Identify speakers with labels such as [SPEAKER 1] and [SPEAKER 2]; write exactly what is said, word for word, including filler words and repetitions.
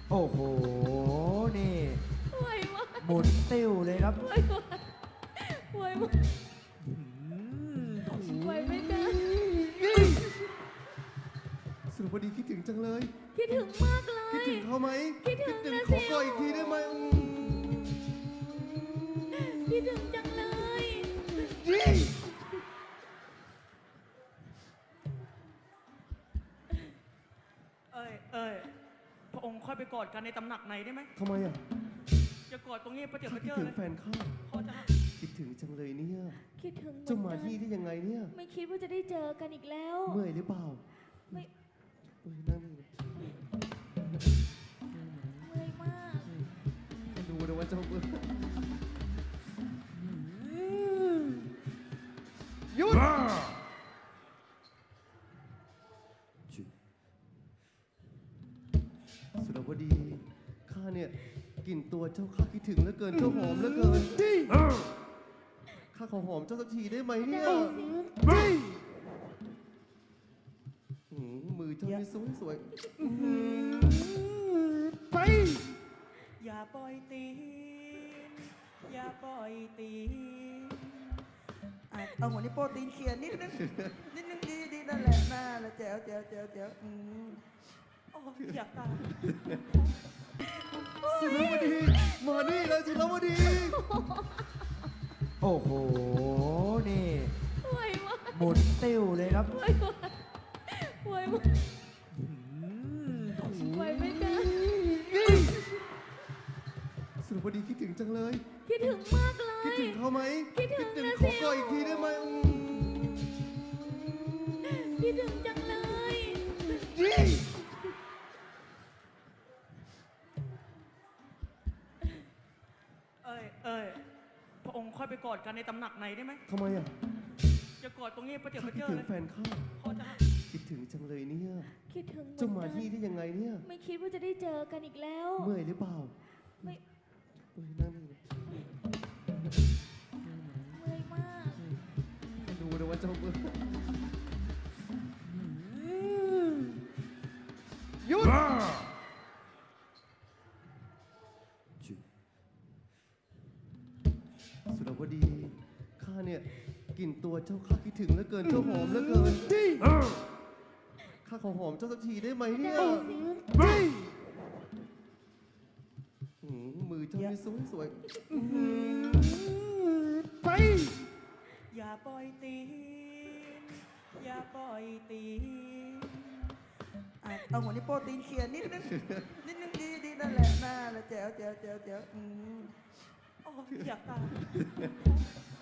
[SPEAKER 1] โอ้โหนี่
[SPEAKER 2] ไหวมาก
[SPEAKER 1] หมุนติ้วเลยครับ
[SPEAKER 2] ไหวมากไหวมากไหวไหมจ๊ะ
[SPEAKER 3] สุรพดีคิดถึงจังเลย
[SPEAKER 2] คิดถึงมากเลย
[SPEAKER 3] คิดถึงเขาไหม
[SPEAKER 2] คิดถึงนะ
[SPEAKER 3] ข
[SPEAKER 2] สิ
[SPEAKER 3] อก่ออีกทีได้ไหมอืม
[SPEAKER 2] คิดถึงจังเลย
[SPEAKER 3] ยี่
[SPEAKER 4] เอ้ยเอ้ยพระองค์ค่อยไปกอดกันในตำหนักไหนได้ไหม
[SPEAKER 3] ทำไมอ่ะ
[SPEAKER 4] จะกอดตรงนี้ประเดี๋ยว
[SPEAKER 3] ข้า
[SPEAKER 4] ประ
[SPEAKER 3] คิด
[SPEAKER 4] เจอ
[SPEAKER 3] ถึง
[SPEAKER 4] เลย
[SPEAKER 3] แฟนข้า
[SPEAKER 4] พ่อจะ
[SPEAKER 3] คิดถึงจังเลยเนี่ย
[SPEAKER 2] คิดถึงเหมือน
[SPEAKER 3] เจ้ามา
[SPEAKER 2] กัน
[SPEAKER 3] ที่ได้ยังไงเนี่ย
[SPEAKER 2] ไม่คิดว่าจะได้เจอกันอีกแล้ว
[SPEAKER 3] เมื่อยหรือเปล่า
[SPEAKER 2] ไม่
[SPEAKER 3] เอ้ยนั่งนี่
[SPEAKER 2] เมื่อยมาก
[SPEAKER 3] ดูนะว่าเจ้าเบื่อหยุดจุสุรวดีข้าเนี่ยกลิ่นตัวเจ้าข้าคิดถึงเหลือเกินเจ้าหอมเหลือเกินข้าขอหอมเจ้าสักทีได้ไหมเนี่ย
[SPEAKER 2] ได้สิ
[SPEAKER 3] หืมมือเจ้านี่สวยสวยอื้อหือไป
[SPEAKER 4] อย่าปล่อยตีนอย่าปล่อยตีน
[SPEAKER 5] อ่ะเอาหัวนิ้วโป้ตีนเขียนนิดนึง นิดนึงดีดีนั่นแหละน่าละแจ๋วแจ๋วแจ๋วแจ๋วอืม
[SPEAKER 4] โอ้ยอยากตาย
[SPEAKER 3] สุรวดีมานี่เลยสุรวดี
[SPEAKER 1] โอ้โหนี่
[SPEAKER 2] ไหวมาก
[SPEAKER 1] หมุนติ้วเลยครับ
[SPEAKER 2] ไหวมากไหวมากไหวไหมจ๊ะ
[SPEAKER 3] สุรวดีคิดถึงจังเลย
[SPEAKER 2] คิดถึงมากเลย
[SPEAKER 3] คิดถึงเขาไหม
[SPEAKER 2] คิดถึงนะ
[SPEAKER 3] ข
[SPEAKER 2] สิ
[SPEAKER 3] อก่ออีกทีได้ไหมอืม
[SPEAKER 2] คิดถึงจังเลย
[SPEAKER 3] ยี่
[SPEAKER 4] เอ้ยเอ้ยพระองค์ค่อยไปกอดกันในตำหนักไหนได้ไหม
[SPEAKER 3] ทำไมอ่ะ
[SPEAKER 4] จะกอดตรงนี้ประเดี๋ยว
[SPEAKER 3] ข้า
[SPEAKER 4] ประ
[SPEAKER 3] คิด
[SPEAKER 4] เจอ
[SPEAKER 3] ถึง
[SPEAKER 4] เลย
[SPEAKER 3] แฟนข้า
[SPEAKER 4] พ่อจะ
[SPEAKER 3] คิดถึงจังเลยเนี่ย
[SPEAKER 2] คิดถึงเหมื
[SPEAKER 3] เจ้า
[SPEAKER 2] อน
[SPEAKER 3] มา
[SPEAKER 2] กัน
[SPEAKER 3] ที่ได้ยังไงเนี่ย
[SPEAKER 2] ไม่คิดว่าจะได้เจอกันอีกแล้ว
[SPEAKER 3] เมื่อยหรือเปล่า
[SPEAKER 2] ไม่
[SPEAKER 3] เอ้ยนั่งนี่
[SPEAKER 2] เมื่อยมาก
[SPEAKER 3] ดูนะว่าเจ้าเบื่อหยุดจุสุรวดีข้าเนี่ยกลิ่นตัวเจ้าข้าคิดถึงเหลือเกินเจ้าหอมเหลือเกินข้าขอหอมเจ้าสักทีได้ไหมเนี่ย
[SPEAKER 2] ได้สิ
[SPEAKER 3] หืมมือเจ้านี่สวยสวยอื้อหือไป
[SPEAKER 4] อย่าปล่อยตีนอย่าปล่อยตีน
[SPEAKER 5] อ่ะเอาหัวนิ้วโป้ตีนเขียนนิดนึง นิดนึงดีดีนั่นแหละน่าละแจ๋วแจ๋วแจ๋วแจ๋วอืม
[SPEAKER 4] โอ้ยอยากตาย